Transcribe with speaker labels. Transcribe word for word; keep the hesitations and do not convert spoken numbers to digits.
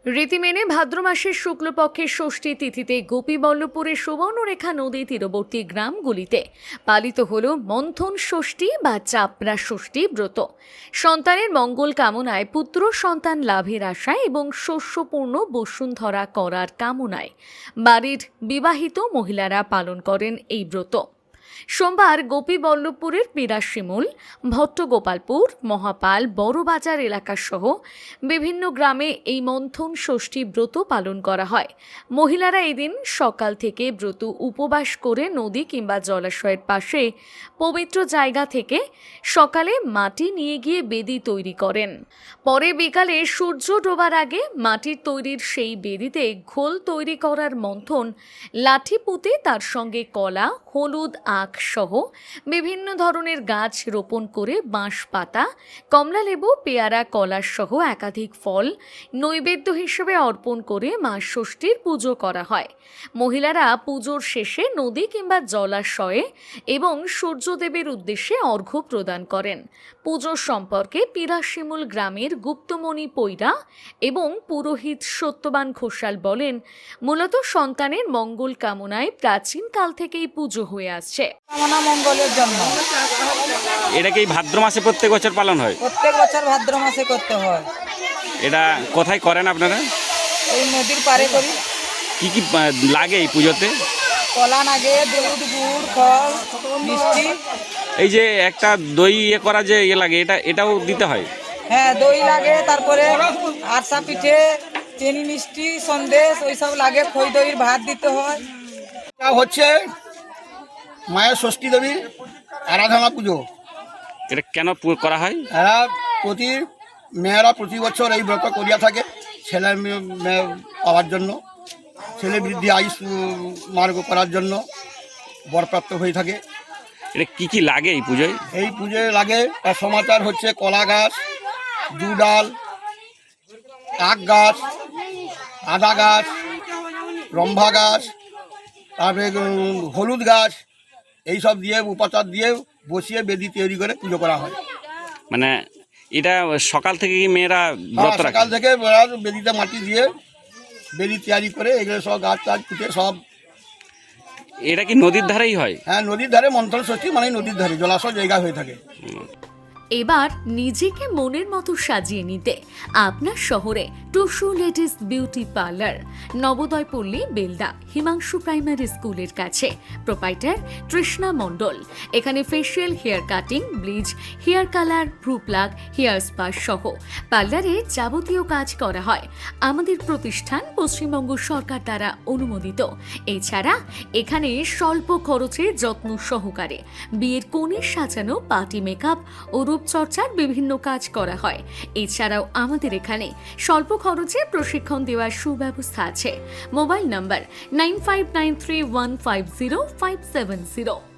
Speaker 1: রীতি মেনে ভাদ্র মাসের শুক্লপক্ষের ষষ্ঠী তিথিতে গোপীবল্লভপুরের সুবর্ণরেখা নদী তীরবর্তী গ্রামগুলিতে পালিত হল মন্থন ষষ্ঠী বা চাপড়া ষষ্ঠী ব্রত। সন্তানের মঙ্গল কামনায়, পুত্র সন্তান লাভের আশায় এবং শস্যপূর্ণ বসুন্ধরা করার কামনায় বাড়ির বিবাহিত মহিলারা পালন করেন এই ব্রত। সোমবার গোপীবল্লভপুরের পিরাশিমুল, ভট্টগোপালপুর, মহাপাল, বড়বাজার এলাকাসহ বিভিন্ন গ্রামে এই মন্থন ষষ্ঠী ব্রত পালন করা হয়। মহিলারা এদিন সকাল থেকে ব্রত উপবাস করে নদী কিংবা জলাশয়ের পাশে পবিত্র জায়গা থেকে সকালে মাটি নিয়ে গিয়ে বেদি তৈরি করেন। পরে বিকালে সূর্য ডোবার আগে মাটির তৈরির সেই বেদিতে ঘোল তৈরি করার মন্থন লাঠি পুঁতে তার সঙ্গে কলা, হলুদ, আখ সহ বিভিন্ন ধরনের গাছ রোপণ করে বাঁশ পাতা, কমলালেবু, পেয়ারা, কলা সহ একাধিক ফল নৈবেদ্য হিসেবে অর্পণ করে মা ষষ্ঠীর পুজো করা হয়। মহিলারা পুজোর শেষে নদী কিংবা জলাশয়ে এবং সূর্যদেবের উদ্দেশ্যে অর্ঘ্য প্রদান করেন। পুজো সম্পর্কে পিরাশিমুল গ্রামের গুপ্তমণি পৈরা এবং পুরোহিত সত্যবান ঘোষাল বলেন, মূলত সন্তানের মঙ্গল কামনায় প্রাচীনকাল থেকেই পুজো হয়ে আসছে।
Speaker 2: কামনা মঙ্গলের জন্য।
Speaker 3: এটা কি ভাদ্র মাসে প্রত্যেক বছর পালন হয়?
Speaker 2: প্রত্যেক বছর ভাদ্র মাসে করতে হয়।
Speaker 3: এটা কোথায় করেন আপনারা?
Speaker 2: এই নদীর পারে করি।
Speaker 3: কি কি লাগে এই পুজোতে?
Speaker 2: কলা লাগে, দুধ, গুড়, ফল, মিষ্টি।
Speaker 3: এই যে একটা দই ইয়ে করা যে ইয়ে লাগে, এটা এটাও দিতে হয়?
Speaker 2: হ্যাঁ, দই লাগে, তারপরে আরসা পিঠে, চিনি মিষ্টি, সন্দেশ ওইসব লাগে। খই দইয়ের ভাত দিতে হয়।
Speaker 4: এটা হচ্ছে মায়ের ষষ্ঠী দেবী আরাধনা পুজো।
Speaker 3: এটা কেন পু- করা হয়?
Speaker 4: এরা প্রতি মেয়েরা প্রতি বছর এই ব্রত করিয়া থাকে ছেলে মেয়ে মেয়ে পাওয়ার জন্য, ছেলে বৃদ্ধি আয়ুষ উম, মার্গ করার জন্য বরপ্রাপ্ত হয়ে থাকে।
Speaker 3: এটা কি কি লাগে এই পুজোয়?
Speaker 4: এই পুজোয় লাগে তার সমাচার হচ্ছে কলা গাছ, জুডাল, আখ গাছ, আদা গাছ, রম্ভা গাছ, তারপরে উম, হলুদ গাছ, এইসব দিয়ে উপাচার দিয়ে বসিয়ে বেদি তৈরি করে পুজো করা হয়।
Speaker 3: মানে এটা সকাল থেকে কি মেয়েরা ব্রত
Speaker 4: হ্যাঁ,
Speaker 3: রাখে?
Speaker 4: সকাল থেকে ওরা বেদিতে মাটি দিয়ে বেদি তৈরি করে এগুলো সব গাছ টাছ পুঁতে সব।
Speaker 3: এটা কি নদীর ধারেই হয়?
Speaker 4: হ্যাঁ, নদীর ধারে মন্থন ষষ্ঠী মানে নদীর ধারে জলাশয় জায়গা হয়ে থাকে।
Speaker 1: এবার নিজেকে মনের মতো সাজিয়ে নিতে আপনার শহরে Tusu ladies beauty parlour, Nabodaypalli, Belda, Himanshu primary স্কুলের কাছে। প্রোপাইটার তৃষ্ণা মণ্ডল। এখানে facial, hair cutting, bleach, hair colour, ভ্রু প্লাগ, হেয়ার স্পা সহ পার্লারে যাবতীয় কাজ করা হয়। আমাদের প্রতিষ্ঠান পশ্চিমবঙ্গ সরকার দ্বারা অনুমোদিত। এছাড়া এখানে স্বল্প খরচে যত্ন সহকারে বিয়ের কনে সাজানো, পার্টি মেকআপ ও রূপচর্চার বিভিন্ন কাজ করা হয়। এছাড়াও আমাদের এখানে স্বল্প খরচে প্রশিক্ষণ দেওয়ার সুব্যবস্থা আছে। Mobile number nine five nine three one five zero five seven zero.